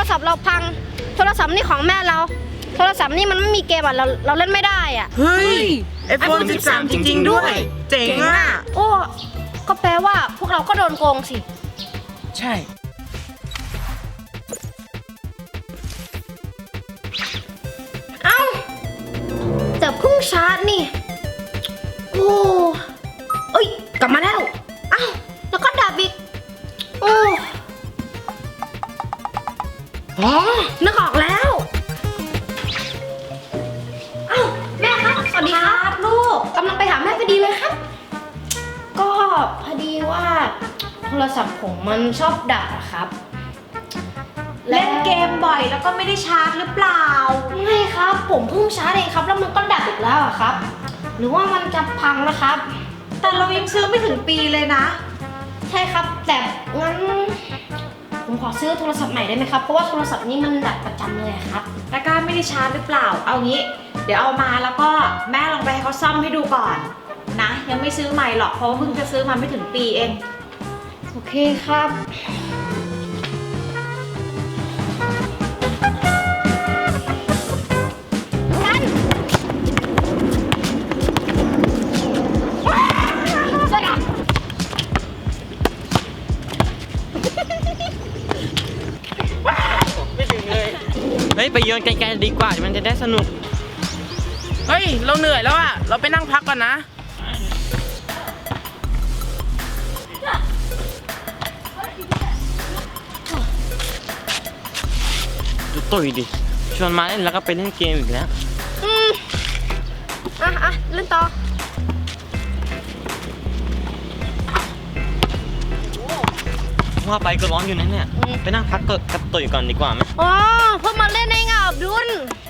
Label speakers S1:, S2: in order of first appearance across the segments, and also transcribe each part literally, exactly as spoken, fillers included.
S1: ศัพท์เราพังโทรศัพท์นี่ของแม่เราโทรศัพท์นี่มันไม่มีเกมอ่ะเราเราเล่นไม่ได้อ่ะ
S2: เฮ้ย ไอโฟน สิบสาม จริงๆด้วยเจ๋งอ่ะ
S1: โอ้ก็แปลว่าพวกเราก็โดนโกงสิ
S2: ใช่
S1: เอ้าแต่เพิ่งชาร์จนี่โอ้เอ้ยกลับมาแล้วเอ้าแล้วก็ดับอีกโอ้อ๋อนึกออกแล้วเอ้าแม่ครับสวัสดีครับลูกกำลังไปหาแม่พอดีเลยครับก็พอดีว่าโทรศัพท์ผมมันชอบดับอะครับ
S3: เล่นเกมบ่อยแล้วก็ไม่ได้ชาร์จหรือเปล่า
S1: ไม่ครับผมเพิ่งชาร์จเองครับแล้วมันก็ดับอีกแล้วอะครับหรือว่ามันจะพังนะครับ
S3: แต่เรายังซื้อไม่ถึงปีเลยนะ
S1: ใช่ครับแต่งั้นผมขอซื้อโทรศัพท์ใหม่ได้ไหมครับเพราะว่าโทรศัพท์นี้มันดับประจำเลยครับ
S3: ตะกร้าไม่ได้ชาร์จหรือเปล่าเอางี้เดี๋ยวเอามาแล้วก็แม่ลองไปให้เขาซ่อมให้ดูก่อนนะยังไม่ซื้อใหม่หรอกเพราะว่าเพิ่งจะซื้อมาไม่ถึงปีเอง
S1: โอเคครับ
S4: เฮ้ยไปโยนไกลๆดีกว่ามันจะได้สนุก
S2: เฮ้ยเราเหนื่อยแล้วอะเราไปนั่งพักก่อนนะ
S4: ดูตุ๋ยดิชวนมาเล่นแล้วก็ไปเล่นเกมอีกแล้ว
S1: อืมอ่ะอ่ะเล่นต่อ
S4: ว่าไปก็ร้อนอยู่นะเนี่ยไปนั่งพักกับตุ๋ยก่อนดีกว่าไหม
S1: อ๋อเพิ่งมาเล่นในงานอับดุล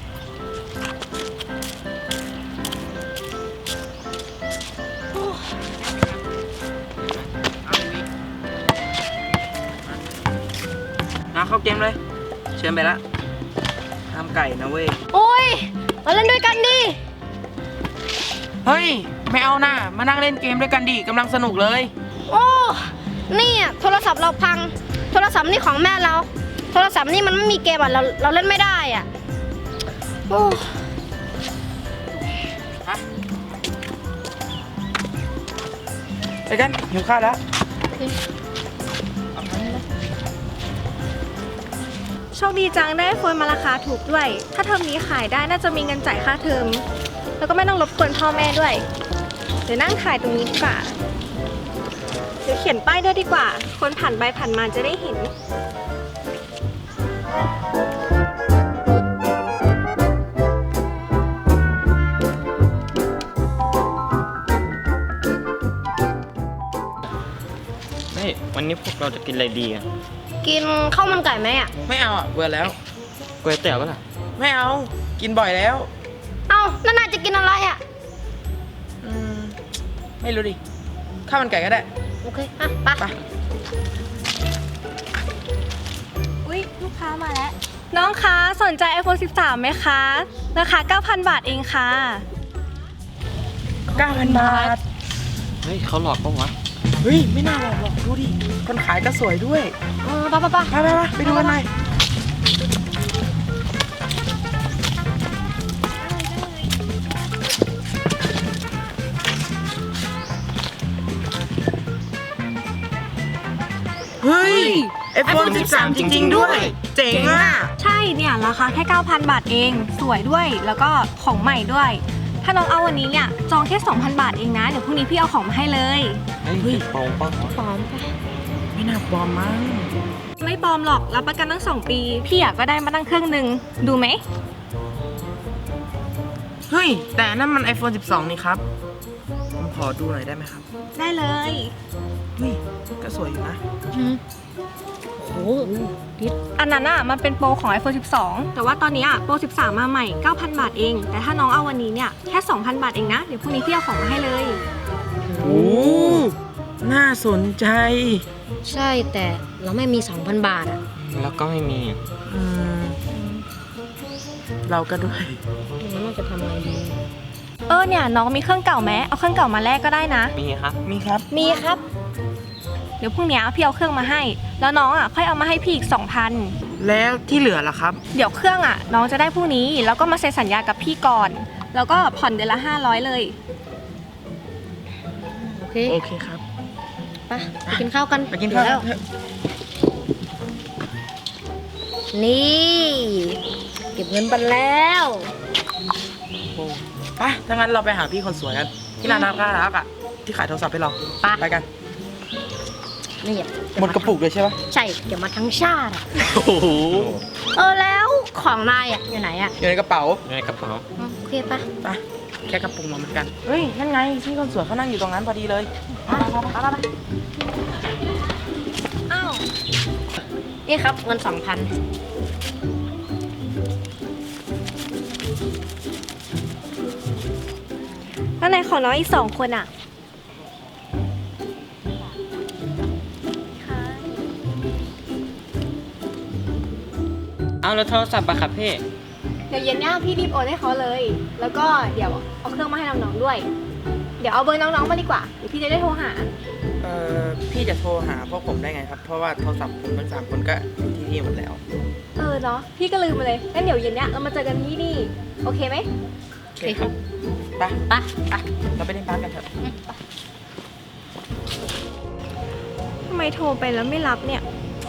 S2: นะเข้าเกมเลยเชิญไปละทำไก่นะเว้ย
S1: โอ้ยมาเล่นด้วยกันดิ
S2: เฮ้ยไม่เอานะมานั่งเล่นเกมด้วยกันดิกำลังสนุกเลย
S1: โอ้นี่อ่ะโทรศัพท์เราพังโทรศัพท์นี่ของแม่เราโทรศัพท์นี่มันไม่มีเกมอ่ะเราเราเล่นไม่ได้อ่ะโอ้
S2: ไปกันหิวข้าวแล้ว
S3: โชคดีจังได้โฟนมาราคาถูกด้วยถ้าเทอมนี้ขายได้น่าจะมีเงินจ่ายค่าเทอมแล้วก็ไม่ต้องรบกวนพ่อแม่ด้วยเดี๋ยวนั่งขายตรงนี้ดีกว่าเดี๋ยวเขียนป้ายด้วยดีกว่าคนผ่านไปผ่านมาจะได้เห็น
S4: เฮ้ยวันนี้พวกเราจะกินอะไรดีอ่ะ
S1: กินข้าวมันไก่ไหมอ่ะ
S2: ไม่เอาอ่ะเบื่อแล้ว
S4: ก๋วยเตี๋ยวก็ล่ะ
S2: ไม่เอากินบ่อยแล้ว
S1: เอ้าแล้วนายจะกินอะไรอ่ะ
S2: อืมไม่รู้ดิข้าวมันไก่ก็ได้
S1: โอเคอ่ะไป
S3: อุ๊ยลูกค้ามาแล้วน้องคะสนใจ ไอโฟน สิบสาม ไหมคะราคา เก้าพัน บาทเองค่ะ
S2: เก้าพัน บาท
S4: เฮ้ยเขาหลอกปะวะ
S2: เฮ้ยไม่น่าหลอกหรอกดูดิคนขายก็สวยด้วย
S1: เออไปไปไป
S2: ไปไปไปดูกันหน่อยเฮ้ย ไอโฟน สิบสาม จริงๆด้วยเจ๋งอ่ะ
S3: ใช่เนี่ยราคาแค่ เก้าพัน บาทเองสวยด้วยแล้วก็ของใหม่ด้วยถ้าน้องเอาวันนี้เนี่ยจองแค่ สองพัน บาทเองนะเดี๋ยวพรุ่งนี้พี่เอาของมาให้เลย
S4: เฮ้ยปลอมปะ
S1: ปลอมปะ
S2: ไม่น่าปลอมมั้ง
S3: ไม่ปลอมหรอกรับประกันตั้งสองปีพี่อยากก็ได้มาตั้งเครื่องหนึ่งดูไหม
S2: เฮ้ยแต่นั่นมัน ไอโฟน สิบสอง นี่ครับผมขอดูหน่อยได้ไหมครับ
S3: ได้เลย
S2: เฮ้ยก็สวยอยู่นะ
S1: โอ้โห
S3: อันนั้นอ่ะมันเป็นโปรของ ไอโฟน สิบสอง แต่ว่าตอนนี้อ่ะโปร สิบสาม มาใหม่ เก้าพัน บาทเองแต่ถ้าน้องเอาวันนี้เนี่ยแค่ สองพัน บาทเองนะเดี๋ยวพรุ่งนี้พี่เอาของมาให้เลย
S2: โอ้น่าสนใจ
S1: ใช่แต่เราไม่มี สองพัน บาทอ่ะ
S4: แล้วก็ไม่มี
S2: อืมเราก็ด้วย
S1: งั้นเราจะทำอะไรดี
S3: เออเนี่ยน้องมีเครื่องเก่าไหมเอาเครื่องเก่ามาแลกก็ได้นะ
S4: มีครับ
S2: มีครับ
S1: มีครับ
S3: เดี๋ยวพรุ่งนี้พี่เอาเครื่องมาให้แล้วน้องอ่ะค่อยเอามาให้พี่อีก สองพัน
S2: แล้วที่เหลือล่ะครับ
S3: เดี๋ยวเครื่องอ่ะ น้องจะได้พรุ่งนี้ แล้วก็มาเซ็นสัญญากับพี่ก่อน แล้วก็ผ่อนเดือนละห้าร้อยเลย
S1: โอเค
S2: โอเคครับ
S1: ไปไปกินข้าวกัน
S2: ไปกินข้าว
S1: แล้ว
S2: เถอะ
S1: นี่เก็บเงินไปแล้ว
S2: โอ้ไปถ้างั้นเราไปหาพี่คนสวยกันที่ร้านน่ารักอ่ะที่ขายโทรศัพท์ให้เรา
S1: ไป
S2: ไปกัน
S1: นี่
S2: หมดกระปุกเลยใช่ปะ
S1: ใช่เดี๋ยวมาทั้งชาติอะ
S2: โอ้โห
S1: เออแล้วของนายอ่ะอยู่ไหนอ่ะ
S2: อยู่ในกระเป๋า
S4: ในกระเป๋า
S1: อืมโอเคปะ
S2: ไปแค่กระปุกมาเหมือนกันเฮ้ยนั่นไงพี่คนสวยเขานั่งอยู่ตรงนั้นพอดีเลย
S1: ไปไปไปไป
S3: อ้าว
S1: นี่ครับเงินสองพัน
S3: แล้วไหนขอน้องอีกสองคนอ่ะ
S4: เอาแล้วโทรศัพท์ปะครับพี่
S3: เดี๋ยวเย็นเนี้ยพี่รีบโอนให้เขาเลย แล้วก็เดี๋ยวเอาเครื่องมาให้น้องๆด้วย เดี๋ยวเอาเบอร์น้องๆมาดีกว่า เดี๋ยวพี่จะได้โทรหา
S2: เอ่อพี่จะโทรหาพวกผมได้ไงครับ เพราะว่าโทรศัพท์ผมทั้งสามคนก็อยู่ที่นี่หมดแล้ว
S3: เออเนาะ พี่ก็ลืมไปเลย งั้นเดี๋ยวเย็นเนี้ยเรามาเจอกันที่นี่ โอเคไหม
S2: โอเคครับไป
S1: ไปไป
S2: เราไปเล่นบาสกันเถอะ
S3: ทำไมโทรไปแล้วไม่รับเนี่ย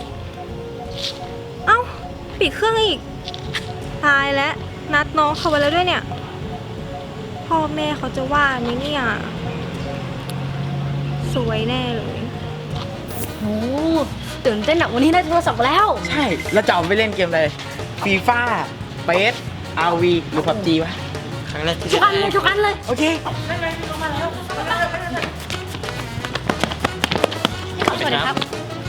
S3: เอ้า ปิดเครื่องอีก ตายแล้ว นัดน้องเขาไว้แล้วด้วยเนี่ย พ่อแม่เขาจะว่าไหมเนี่ย สวยแน่เลย
S1: โอ้ตื่นเต้นอะวันนี้ได้โทรศัพท์แล้ว
S2: ใช่แล้วจะเอาไปเล่นเกมอะไรฟีฟ่าเบสอาร์วีหรือพับจีวะ
S4: ครั้งแรกที่
S1: ทุกอันเลยทุกอันเลย
S2: โอเค
S1: สวัสดีครับ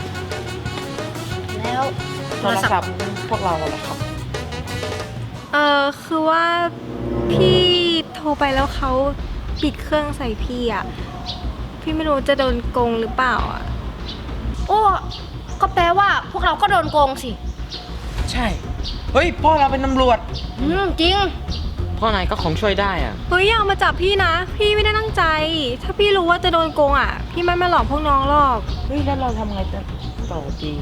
S1: แล้ว
S2: โทรศัพท์พวกเราเหรอครับ
S3: เออคือว่าพี่โทรไปแล้วเขาปิดเครื่องใส่พี่อ่ะ พี่ไม่รู้จะโดนโกงหรือเปล่าอ่ะ
S1: โอ้ก็แปลว่าพวกเราก็โดนโกงสิ
S2: ใช่ เฮ้ยพ่อเราเป็นตำรวจ
S1: อืมจริง
S4: พ่อนายก็คงช่วยได้อ่ะ
S3: เฮ้ยอย่ามาจับพี่นะ พี่ไม่ได้ตั้งใจ ถ้าพี่รู้ว่าจะโดนโกงอ่ะ พี่ไม่มาหลอกพวกน้องหรอก
S2: เฮ้ยแล้วเราทำไงจะต่อดี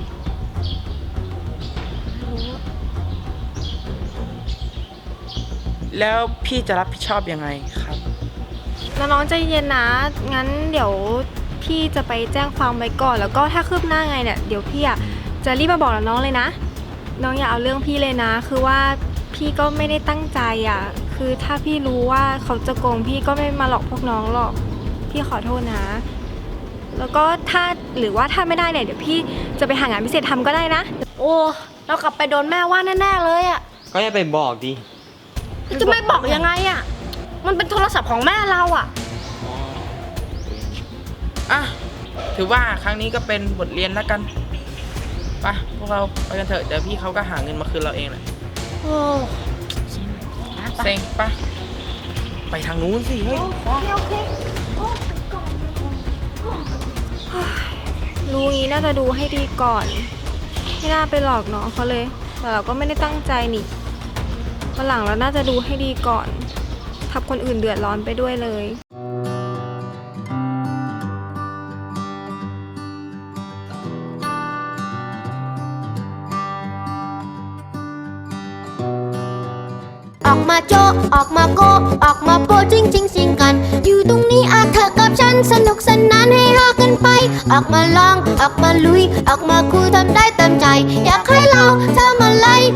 S2: แล้วพี่จะรับผิดชอบยังไงครับ
S3: น้องๆใจเย็นนะ งั้นเดี๋ยวพี่จะไปแจ้งความไว้ก่อน แล้วก็ถ้าคืบหน้าไงเนี่ย เดี๋ยวพี่อ่ะจะรีบมาบอกน้องเลยนะ น้องอย่าเอาเรื่องพี่เลยนะ คือว่าพี่ก็ไม่ได้ตั้งใจอ่ะ คือถ้าพี่รู้ว่าเขาจะโกงพี่ก็ไม่มาหลอกพวกน้องหรอก พี่ขอโทษนะ แล้วก็ถ้าหรือว่าถ้าไม่ได้เนี่ยเดี๋ยวพี่จะไปหางานพิเศษทำก็ได้นะ
S1: โอ้เรากลับไปโดนแม่ว่าแน่ๆเลยอะ
S4: ก็อย่าไปบอกดิ
S1: จะไม่บอกยังไงอะมันเป็นโทรศัพท์ของแม่เราอะ
S2: อ่ะ ถือว่าครั้งนี้ก็เป็นบทเรียนแล้วกันไปพวกเราไปกันเถอะเดี๋ยวพี่เขาก็หาเงินมาคืนเราเองแหละ
S1: โอ้นะ
S2: เซ็งปะไปทางนู้นสิเฮ้ย
S1: โอเค
S3: รู้งี้น่าจะดูให้ดีก่อน ไม่น่าไปหลอกน้องเขาเลย แต่เราก็ไม่ได้ตั้งใจนี่วันหลังเราน่าจะดูให้ดีก่อนทับคนอื่นเดือดร้อนไปด้วยเลย
S5: ออกมาโจะออกมาโกะออกมาโปะจริงจริงสิงกัน อยู่ตรงนี้อาเธอกับฉันสนุกสนานให้รอกันไป ออกมาลองออกมาลุย ออกมาคุยทำได้เต็มใจ อยากให้เราทำอะไร